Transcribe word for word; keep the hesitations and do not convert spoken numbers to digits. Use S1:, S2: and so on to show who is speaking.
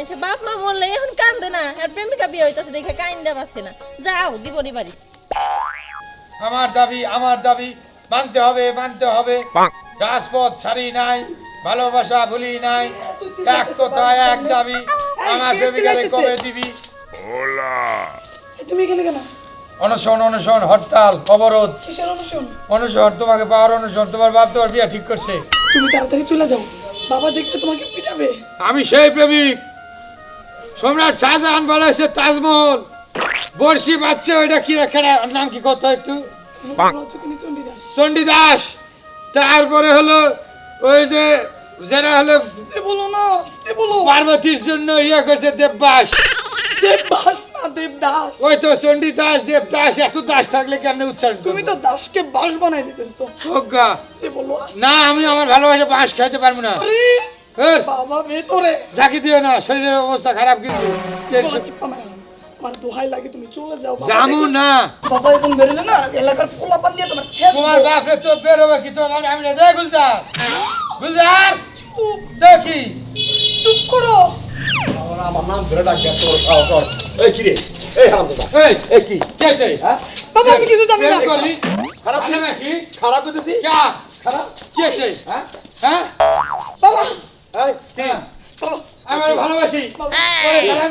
S1: মানুষের বাপ মা মরলে এখন কান্দে না, আর প্রেমিকা বিয়ে হইতাছে দেখে কাইন্দা পাচ্ছে না। যাও দিবনি বাড়ি।
S2: আমার দাবি আমার দাবি মানতে হবে মানতে হবে। রাজপথ ছাড়ি নাই, ভালোবাসা ভুলি নাই, এক কথা এক দাবি। আমার প্রেমিকারে কবে দিবি?
S3: তুমি এখানে কেন?
S2: অনশন অনশন হরতাল অবরোধ।
S3: কিসের অনুশোন?
S2: অনশন তোমাকে পাওয়ার অনশন। তোমার বাপ তোমার বিয়ে ঠিক করছে।
S3: তুমি তাড়াতাড়ি চলে যাও, বাবা দেখলে তোমাকে পিটাবে।
S2: আমি সেই প্রেমিক। সম্রাট শাহজাহান বলেছে তাজমহল বর্ষি পাচ্ছে, ওইটা কি রাখে নাম কি কত একটু
S3: রজকিনী চণ্ডীদাস।
S2: চণ্ডীদাস। তারপরে হলো ওই যে যারা হলো
S3: আস্তে বলো না, আস্তে বলো।
S2: পার্বতীর জন্য ইয়ে করছে দেববাস।
S3: দেবদাস না দেবদাস।
S2: ওই তো চণ্ডীদাস দেবদাস। এত দাস থাকলে কেমনে উচ্চারণ
S3: তুমি তো দাসকে বাস বানাই দিতেছো।
S2: প্রজ্ঞা
S3: আস্তে বলো, আস্তে।
S2: না, আমি আমার ভালোবাসা বাঁশ খাইতে পারবো না।
S3: আরে,
S2: এর,
S3: বাবা ভেতরে।
S2: ঝাঁকি দিও না, শরীরের অবস্থা খারাপ কিন্তু। টেনশন
S3: চিপা মেরে না। আমার দোহাই লাগে তুমি চলে যাও। বাবা
S2: জামু
S3: দেখলে-
S2: না।
S3: বাবা এখন বেরোলে না এলাকার পোলাপান দিয়ে তোমার ছেদ
S2: তোমার
S3: দেবো।
S2: বাপরে তো বের হবে কি? তোমার আমি না দেখ গুলজার গুলজার
S3: চুপ,
S2: দেখি।
S3: চুপ করো।
S4: আমার নাম ধরে ডাক দেয় তোর সাহস কর। এই কি রে? এই হারামজাদা।
S2: এই
S4: এই কি?
S2: কে আছে?
S4: হ্যাঁ?
S3: বাবা আমি কিছু জানি না।
S2: বের করলি?
S4: খারাপ
S2: ভালোবাসি?
S4: খারাপ করতেছি?
S2: কা?
S4: খারাপ?
S2: কে আছে?
S4: হ্যাঁ?
S2: হ্যাঁ?
S3: বাবা
S4: এই
S2: কে?
S3: বাবা
S2: আমার ভালোবাসি।
S3: বাবা।
S2: ওরে সালাম